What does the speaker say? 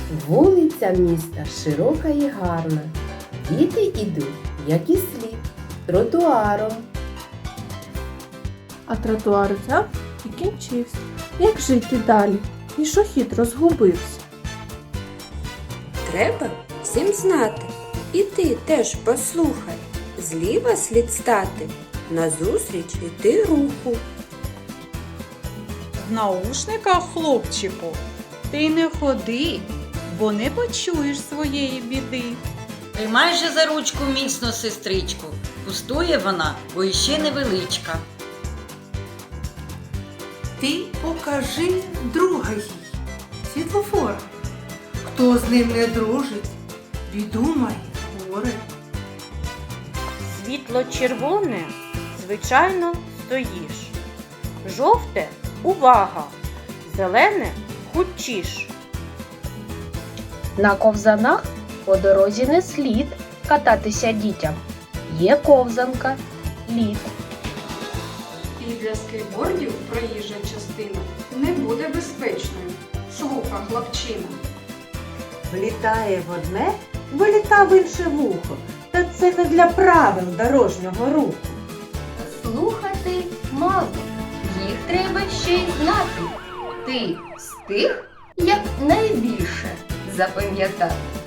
Вулиця міста широка і гарна. Діти ідуть, як і слід, тротуаром. А тротуар взяв і кінчився. Як жити далі? Пішохід розгубився. Треба всім знати. І ти теж послухай. Зліва слід стати, назустріч іти руху. В наушниках, хлопчику, ти не ходи, бо не почуєш своєї біди. Тримай же за ручку міцно, сестричку. Пустує вона, бо іще невеличка. Ти покажи друга їй, світлофора. Хто з ним не дружить, біду має горе. Світло червоне, звичайно, стоїш. Жовте – увага, зелене – хутчіш. На ковзанах по дорозі не слід кататися дітям. Є ковзанка, лід. І для скейтбордів проїжджа частина не буде безпечною. Слухай, хлопчина. Влітає в одне, виліта в інше вухо. Та це не для правил дорожнього руху. Слухати мало, їх треба ще й знати. Ти з тих, як найбільше запам'ятати.